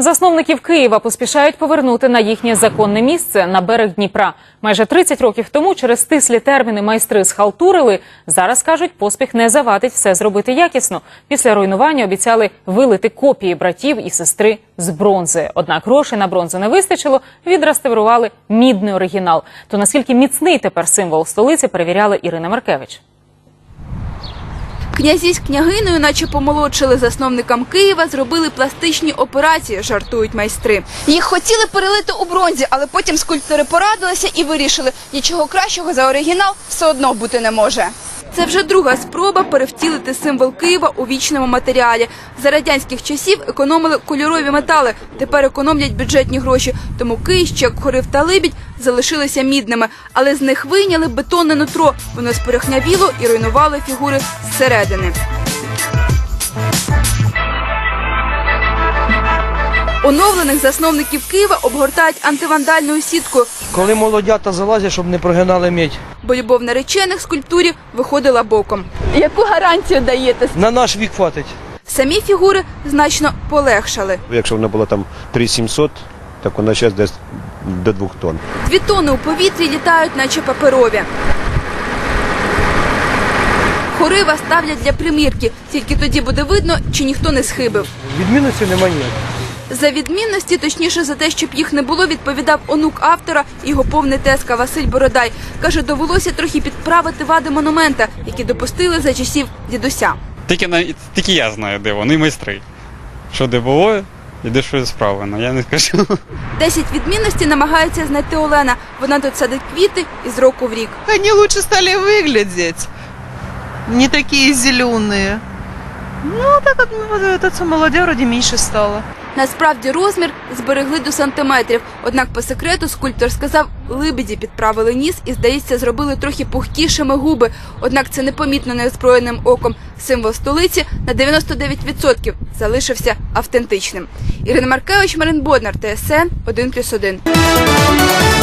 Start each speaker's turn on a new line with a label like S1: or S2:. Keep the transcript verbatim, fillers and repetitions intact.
S1: Засновників Києва поспішають повернути на їхнє законне місце – на берег Дніпра. Майже тридцять років тому через стислі терміни майстри схалтурили. Зараз, кажуть, поспіх не завадить все зробити якісно. Після руйнування обіцяли вилити копії братів і сестри з бронзи. Однак грошей на бронзу не вистачило, відреставрували мідний оригінал. То наскільки міцний тепер символ столиці, перевіряла Ірина Маркевич.
S2: Князі з княгиною, наче помолодшили, засновникам Києва зробили пластичні операції, жартують майстри. Їх хотіли перелити у бронзі, але потім скульптори порадилися і вирішили, нічого кращого за оригінал все одно бути не може. Це вже друга спроба перевтілити символ Києва у вічному матеріалі. За радянських часів економили кольорові метали, тепер економлять бюджетні гроші. Тому київщі, як Хорив та Либідь, залишилися мідними. Але з них вийняли бетонне нутро. Воно спорохнявіло і руйнувало фігури зсередини. Оновлених засновників Києва обгортають антивандальною сіткою.
S3: Коли молодята залазять, щоб не прогинали мідь.
S2: Бо любов наречених скульптурі виходила боком. Яку гарантію даєте?
S3: На наш вік хватить.
S2: Самі фігури значно полегшали.
S4: Якщо вона була там три тисячі сімсот, так вона зараз десь до двох тонн.
S2: Дві тонни у повітрі літають, наче паперові. Хорива ставлять для примірки. Тільки тоді буде видно, чи ніхто не схибив.
S3: Відмінності немає ніяк.
S2: За відмінності, точніше за те, щоб їх не було, відповідав онук автора, його повний тезка Василь Бородай. Каже, довелося трохи підправити вади монумента, які допустили за часів дідуся.
S5: Тільки, на, тільки я знаю, де вони, майстри. Що де було і де що справлено, я не скажу.
S2: Десять відмінностей намагається знайти Олена. Вона тут садить квіти із року в рік.
S6: Они лучше стали выглядеть, не такие зеленые. Ну, так вот, вот это все молодежь вроде меньше стало.
S2: Насправді розмір зберегли до сантиметрів. Однак по секрету скульптор сказав, Либіді підправили ніс і, здається, зробили трохи пухкішими губи. Однак це непомітно неозброєним оком. Символ столиці на дев'яносто дев'ять відсотків залишився автентичним. Ірина Маркевич, Марин Боднар, Т С Н один плюс один.